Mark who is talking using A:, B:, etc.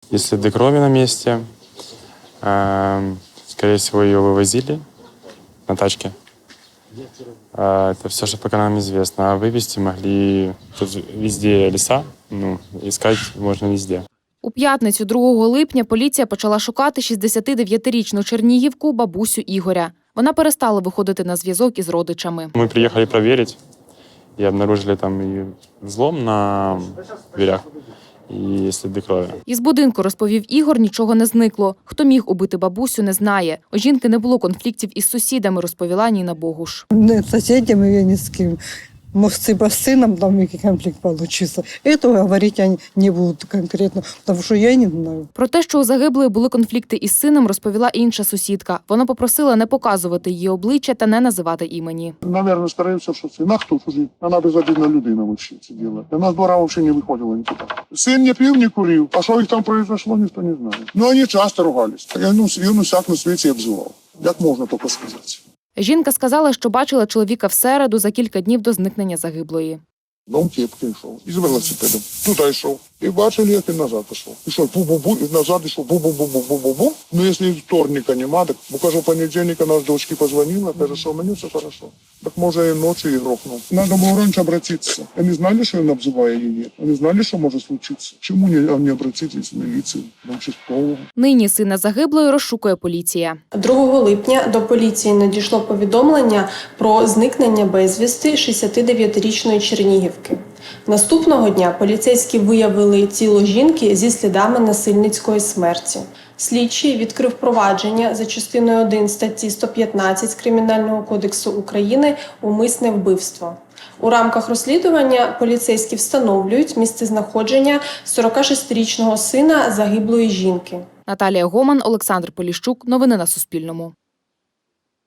A: Есть следы крови на месте. Скорее всего, ее вывозили на тачке. Это все, что пока нам известно. А вывести могли тут везде леса. Искать можно везде.
B: У п'ятницю 2 липня поліція почала шукати 69-річну чернігівку бабусю Ігоря. Вона перестала виходити на зв'язок із родичами.
A: Мы приехали проверить и обнаружили там и взлом на дверях, і сліди крові.
B: Із будинку, розповів Ігор, нічого не зникло. Хто міг убити бабусю, не знає. У жінки не було конфліктів із сусідами, розповіла Ніна Богуш.
C: Не з сусідами я ні з ким. Может, с сыном там який конфликт получится. Этого говорить я не буду конкретно, потому что я не знаю.
B: Про те, що у загиблої були конфлікти із сином, розповіла інша сусідка. Вона попросила не показувати її обличчя та не називати імені.
D: Наверное, стараемся, что сын. А кто служит? Она безобидная людина вообще это делает. Она с двора вообще не выходила никуда. Сын не пил, не курил. А что их там произошло, никто не знает. Но они часто ругались. Він усяк на світі обзивав. Як можна тільки сказати?
B: Жінка сказала, що бачила чоловіка в середу за кілька днів до зникнення загиблої.
D: Дом кепки йшов. Із велосипедом. Туди йшов. І бачили, як він назад пішов. Ішов бу-бу-бу, і назад йшов бу-бу-бу-бу-бу-бу-бу. Ну, якщо вторника нема, так, бо, кажу, понедельника нас дочки позвонила, каже, що мені все хорошо. Так, може, і ночі і грохнув. Надо було раніше обратитися. Вони знали, що він обзиває її? Вони знали, що може случитися? Чому не обратитися в міліцію, в участкову?
B: Нині сина загиблої розшукує поліція.
E: 2 липня до поліції надійшло повідомлення про зникнення безвісти 69-річної чернігівки. Наступного дня поліцейські виявили тіло жінки зі слідами насильницької смерті. Слідчий відкрив провадження за частиною 1 статті 115 Кримінального кодексу України «Умисне вбивство». У рамках розслідування поліцейські встановлюють місцезнаходження 46-річного сина загиблої жінки.
B: Наталія Гоман, Олександр Поліщук. Новини на Суспільному.